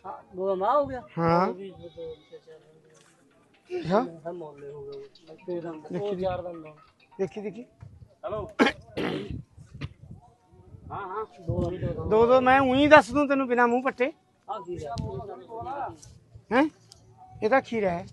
वो माँ हो गया हाँ हाँ हम मोहल्ले हो गए वो 4 दिन दो देखी देखी हेलो हाँ हाँ दो दो मैं ऊँ ही दस दूं तेन बिना मूँह पट्टे हाँ ठीक है हैं ਇਹਦਾ ਖੀਰਾ ਹੈ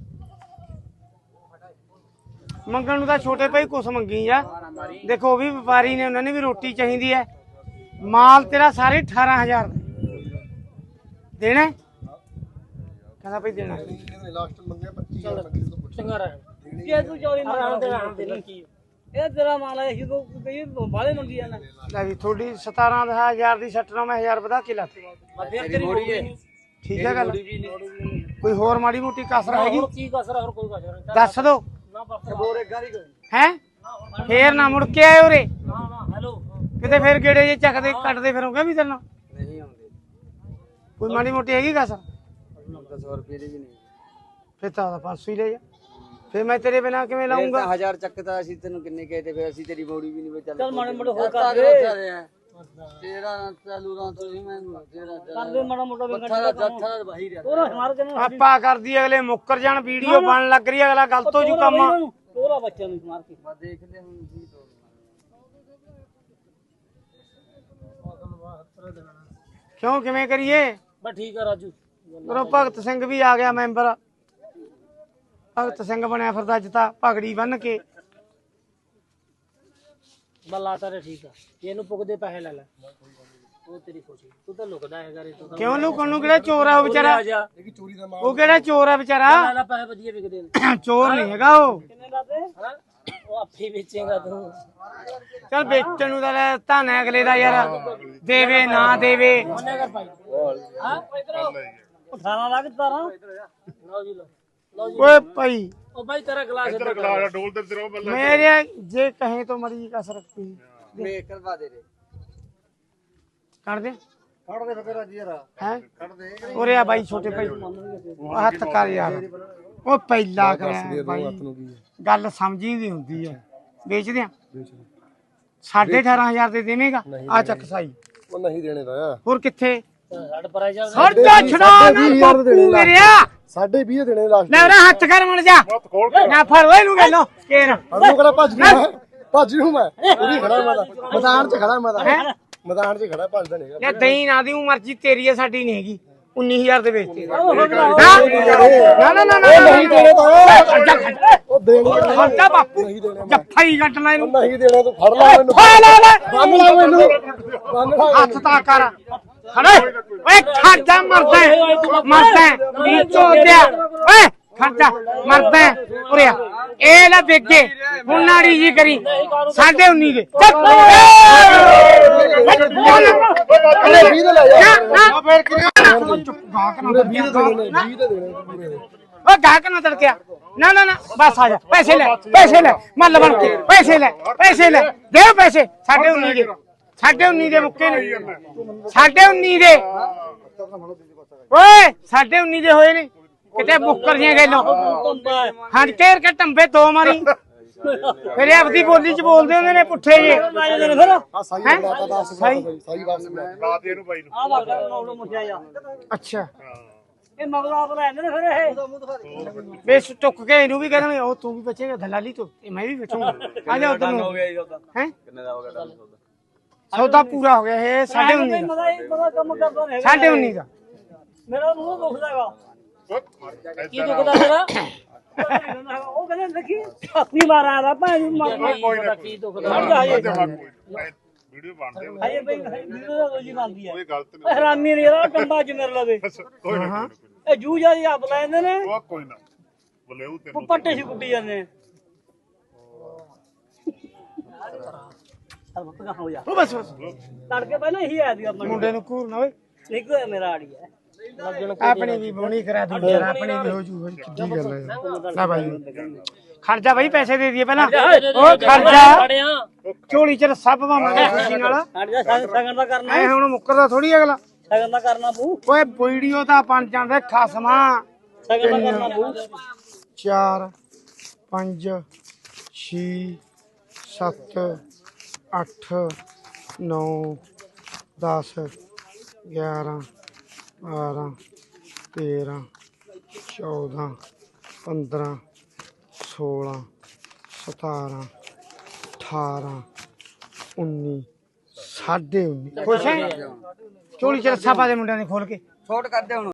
ਮੰਗਣ ਨੂੰ ਤਾਂ ਛੋਟੇ ਭਾਈ ਕੁਛ ਮੰਗੀ ਆ ਦੇਖੋ ਉਹ ਵੀ ਵਪਾਰੀ ਨੇ ਉਹਨਾਂ ਨੇ ਵੀ ਰੋਟੀ ਚਾਹੀਦੀ ਹੈ ਮਾਲ ਤੇਰਾ ਸਾਰੇ 18000 ਦੇਣਾ ਕਹਿੰਦਾ ਭਾਈ ਦੇਣਾ ਲਾਸਟ ਮੰਗਿਆ 25000 चंगा रहा ये तू चोरी मार दे की ਇਹ ਤੇਰਾ ਮਾਲ ਹੈ ਹੀ ਕੋ ਕਈ ਬਾਲੇ ਮੰਗੀ ਜਾਣਾ ਲੈ ਵੀ ਥੋੜੀ 17000 ਦੀ 96000 ਵਧਾ ਕੇ ਲਾ ਫਿਰ ਤੇਰੀ ਮੋੜੀ ਹੈ ਠੀਕ ਹੈ ਗੱਲ ਕੋਈ ਹੋਰ ਮਾੜੀ ਮੋਟੀ ਕਸਰ ਹੈਗੀ ਕੀ ਕਸਰ ਹੋਰ ਕੋਈ ਕਸਰ ਨਹੀਂ ਦੱਸ ਦੋ ਨਾ ਬੋਰ ਇੱਕ ਗਾਰੀ ਹੈ ਫੇਰ ਨਾ ਮੁੜ ਕੇ ਆਏ ਉਰੇ ਨਾ ਨਾ ਹੈਲੋ ਕਿਤੇ ਫੇਰ ਗੇੜੇ ਜੇ ਚੱਕਦੇ ਕੱਟਦੇ ਫਿਰੋਗੇ ਵੀ ਤੈਨੂੰ ਨਹੀਂ ਆਉਂਦੇ ਕੋਈ ਮਾੜੀ ਮੋਟੀ ਹੈਗੀ ਕਸਰ 100 ਰੁਪਏ ਦੀ ਵੀ ਨਹੀਂ ਫਿਰ ਤਾਂ 500 ਹੀ ਲੈ ਜਾ ਫਿਰ ਮੈਂ ਤੇਰੇ ਬਿਨਾ ਕਿਵੇਂ ਲਾਉਂਗਾ 1000 ਚੱਕਦਾ ਅਸੀਂ ਤੈਨੂੰ ਕਿੰਨੇ ਕਹੇ ਤੇ ਫਿਰ ਅਸੀਂ ਤੇਰੀ ਮੋੜੀ ਵੀ ਨਹੀਂ ਚੱਲ ਮਾੜੇ ਮੋਟੇ ਹੋਰ ਕਰ ਦੇ ਤੇਰਾ ਚਾਲੂ ਰਾਂ ਤੋਂ ਮੈਂ ਤੇਰਾ ਕਰ ਦੇ ਮਾੜਾ ਮੋਟਾ ਵੀ ਜੱਥਾ ਜੱਥਾ ਬਾਹੀ ਰਿਹਾ ਤੋਰਾ ਹਮਾਰੇ ਜਨ ਆਪਾ ਕਰਦੀ ਅਗਲੇ ਮੁੱਕਰ ਜਾਣ ਵੀਡੀਓ ਬਣ ਲੱਗ ਰਹੀ ਅਗਲਾ ਗਲਤ ਹੋ ਜੂ ਕੰਮ ਤੋਰਾ ਬੱਚਿਆਂ ਨੂੰ ਮਾਰ ਕੇ ਮੈਂ ਦੇਖ ਲੈ ਹੁਣ ਕੀ ਕਿਉਂ ਕਿਵੇਂ ਕਰੀਏ ਬਸ ਠੀਕ ਹੈ ਰਾਜੂ ਉਰੋਂ ਭਗਤ ਸਿੰਘ ਵੀ ਆ ਗਿਆ ਮੈਂਬਰ ਭਗਤ ਸਿੰਘ ਬਣਿਆ ਫਿਰਦਾ ਅੱਜ ਤਾਂ ਪਗੜੀ ਬੰਨ ਕੇ ਬੱਲਾ ਤਾਰੇ ਠੀਕ ਆ ਇਹਨੂੰ ਪੁੱਗਦੇ ਪੈਸੇ ਲੈ ਲੈ ਉਹ ਤੇਰੀ ਖੁਸ਼ੀ ਤੂੰ ਤਾਂ ਲੁਕਦਾ ਹੈਗਾ ਰੇ ਤੂੰ ਕਿਉਂ ਲੁਕਣ ਨੂੰ ਕਿਹੜਾ ਚੋਰ ਆ ਉਹ ਵਿਚਾਰਾ ਇਹ ਚੋਰੀ ਦਾ ਉਹ ਕਿਹੜਾ ਚੋਰ ਆ ਵਿਚਾਰਾ ਲੈ ਲੈ ਪੈਸੇ ਵਧੀਆ ਵਿਕਦੇ ਨੇ ਚੋਰ ਨਹੀਂ ਹੈਗਾ ਉਹ ਕਿੰਨੇ ਲਾਤੇ ਉਹ ਆਪੇ ਵੇਚੇਗਾ ਤੂੰ ਚੱਲ ਵੇਚਣ ਨੂੰ ਤਾਂ ਲੈ ਧਾਨਾ ਅਗਲੇ ਦਾ ਯਾਰ ਦੇਵੇ ਨਾ ਦੇਵੇ ਉਹਨੇ ਕਰ ਭਾਈ ਹਾਂ ਇਧਰੋਂ 18 ਲੱਖ 17 ਲਓ ਜੀ ਲਓ ਜੀ ਓਏ ਭਾਈ ਉਹ ਭਾਈ ਤੇਰਾ ਗਲਾਸ ਇਧਰ ਗਲਾਸ ਡੋਲ ਤੇ ਤੇਰਾ ਬੱਲਾ मेरे जे कहे तो मरी का सरक ਮੈਂ ਕਰਵਾ ਦੇ ਰੇ कर दे ਕੱਢ ਦੇ ਫਿਰ ਅੱਜ ਯਾਰ हैं ਕੱਢ ਦੇ ओरे आ भाई छोटे भाई हथ कर यार ओ पहला कर भाई गल समझी दी हुंदी है बेच दियां 18500 दे देवेगा आ चक साई ਉਹ ਨਹੀਂ ਦੇਣੇ ਦਾ और किथे ਛੱਡ ਪਰਾਂ ਜਾ हट जा छड़ा मेरिया 20.5 ਦੇਣੇ ਲਾਸਟ ले ओरे हाथ कर मर जा ना फड़ ओए नु गलो केर ਅਰਨੂ ਕਰਾ ਭੱਜ ਨੂੰ ਮੈਂ ਪੂਰੀ ਖੜਾ ਮੈਂ ਤਾਂ ਮੈਦਾਨ 'ਚ ਖੜਾ ਮੈਂ ਤਾਂ ਮੈਦਾਨ 'ਚ ਖੜਾ ਭੱਜਦਾ ਨਹੀਂ ले दई ना दी मर्जी तेरी है साडी नहीं हैगी 19000 ਦੇ ਵੇਚਦੇ ਨਾ ਨਾ ਨਾ ਨਹੀਂ ਦੇਣੇ ਤਾਂ ਉਹ ਦੇਣੇ ਖਰਚਾ ਬਾਪੂ ਜੱਫਾ ਹੀ ਕੱਟਣਾ ਇਹਨੂੰ ਨਹੀਂ ਦੇਣਾ ਤੂੰ ਫੜ ਲੈ ਮੈਨੂੰ ਫੜ ਲੈ ਲੈ ਬੰਨ ਲੈ ਮੈਨੂੰ ਬੰਨ ਲੈ ਹੱਥ ਤਾਂ ਕਰ ਖੜੇ ਓਏ ਖਰਚਾ ਮਰਦਾ ਨੀ ਚੋਦਿਆ ਓਏ ਖਰਚਾ ਮਰਦਾ ਉਰੇ ਆ ਇਹ ਲੈ ਵੇਗੇ ਹੁਣ ਨਾੜੀ ਜੀ ਕਰੀ 19.5 ਦੇ ਅਰੇ 20 ਦੇ ਲੈ ਜਾ ਨਾ ਫੇਰ ਚੁੱਪ ਗਾਹਕ ਨਾ 20 ਦੇ ਦੇਣੇ ਪੂਰੇ ਓ ਗਾਹਕ ਨਾ ਤੜਕਿਆ ਨਾ ਨਾ ਨਾ ਬਸ ਆ ਜਾ ਪੈਸੇ ਲੈ ਮੱਲ ਬਣ ਕੇ ਪੈਸੇ ਲੈ ਦੇ ਪੈਸੇ 19.5 ਦੇ 19.5 ਦੇ ਮੁੱਕੇ ਨੇ 19.5 ਦੇ ਓਏ 19.5 ਦੇ ਹੋਏ ਨੇ ਕਿਤੇ ਬੁੱਕਰ ਦੀਆਂ ਗੱਲਾਂ ਹਾਂ ਘੇਰ ਕੇ ਟੰਬੇ ਦੋ ਮਾਰੀ ਫਿਰ ਆਪਦੀ ਬੋਲੀ ਚ ਬੋਲਦੇ ਹੁੰਦੇ ਨੇ ਪੁੱਠੇ ਜੇ ਫਿਰ ਆ ਸਾਈ ਬਲਾਤਾ ਸਾਈ ਵਾਪਸ ਲੈ ਰਾਤ ਇਹਨੂੰ ਬਾਈ ਨੂੰ ਆ ਵਰਗਾ ਨੌਲੋ ਮੁੱਠਿਆ ਜਾ ਅੱਛਾ ਇਹ ਮਗਰੋਂ ਆਪ ਲੈਂਦੇ ਨੇ ਫਿਰ ਇਹ ਬੇਸ ਟੁੱਕ ਕੇ ਇਹਨੂੰ ਵੀ ਕਹਿੰਦੇ ਉਹ ਤੂੰ ਵੀ ਬਚੇਗਾ ਦਲਾਲੀ ਤੋਂ ਤੇ ਮੈਂ ਵੀ ਬਚੂਗਾ ਆ ਜਾ ਉਧਰ ਨੂੰ ਹੈ ਕਿੰਨੇ ਦਾ ਹੋ ਗਿਆ ਸੌਦਾ ਪੂਰਾ ਹੋ ਗਿਆ ਇਹ 19.5 ਦਾ ਮਦਾ ਕੰਮ ਕਰਦਾ ਨਹੀਂ 19.5 ਦਾ ਮੇਰਾ ਮੂੰਹ ਦੁਖਦਾ ਹੈਗਾ ਕੀ ਦੁਖਦਾ ਤੇਰਾ ਉਹ ਕਹਿੰਦੇ ਦੇਖੀ ਆਪਣੀ ਮਾਰ ਆਦਾ ਭਾਈ ਮਾਰ ਕੀ ਦੁਖਦਾ ਹਟ ਜਾ ਵੀਡੀਓ ਬਣਦੇ ਹਾਏ ਬਈ ਵੀਡੀਓ ਦਾ ਰੋਜੀ ਬਣਦੀ ਹੈ ਕੋਈ ਗਲਤ ਨਹੀਂ ਹਰਾਮੀ ਨਹੀਂ ਯਾਰ ਕੰਬਾ ਚ ਮੇਰੇ ਲਵੇ ਕੋਈ ਨਾ ਇਹ ਜੂ ਜਾ ਜੀ ਆਪ ਲੈਂਦੇ ਨੇ ਉਹ ਕੋਈ ਨਾ ਬੋਲੇ ਉਹ ਤੈਨੂੰ ਪੱਟੇ ਸੀ ਕੁੱਟੀ ਜਾਂਦੇ ਨੇ ਸਰ ਬੱਕਾ ਹੋ ਜਾ ਉਹ ਬਸ ਤੜਕੇ ਪਹਿਲਾਂ ਇਹੀ ਆਇਆ ਸੀ ਆਪਣਾ ਮੁੰਡੇ ਨੂੰ ਘੂਰਨਾ ਓਏ ਇੱਕ ਮੇਰਾ ਆੜੀ ਹੈ ਆਪਣੀ ਵੀ ਬੋਣੀ ਕਰਾ ਦੂੰ ਯਾਰ ਆਪਣੀ ਵੀ ਹੋ ਜੂ ਕਿੱਡੀ ਗੱਲ ਹੈ ਲੈ ਭਾਈ ਖਰਚਾ ਭਾਈ ਪੈਸੇ ਦੇ ਦਈਏ ਪਹਿਲਾਂ ਉਹ ਖਰਚਾ ਝੋਲੀ ਚ ਰੱਸਾ ਪਵਾਵਾਂਗੇ ਖੁਸ਼ੀ ਨਾਲ ਹਟ ਜਾ ਸਗਨ ਦਾ ਕਰਨਾ ਐ ਹੁਣ ਮੁੱਕਰਦਾ ਥੋੜੀ ਅਗਲਾ ਸਗਨ ਦਾ ਕਰਨਾ ਪੂ ਓਏ ਵੀਡੀਓ ਤਾਂ ਬਣ ਜਾਂਦੇ ਖਸਮਾ ਸਗਨ ਦਾ ਕਰਨਾ ਪੂ 4 5 6 7 8 9 10 11 12 13 14 15 16 17 18 19 19.5 ਖੁਸ਼ ਹੈ ਝੋਲੀ ਚ ਰੱਸਾ ਪਾ ਦੇ ਮੁੰਡਿਆਂ ਨੇ ਖੋਲ ਕੇ ਛੋਟ ਕਰਦੇ ਹੁਣ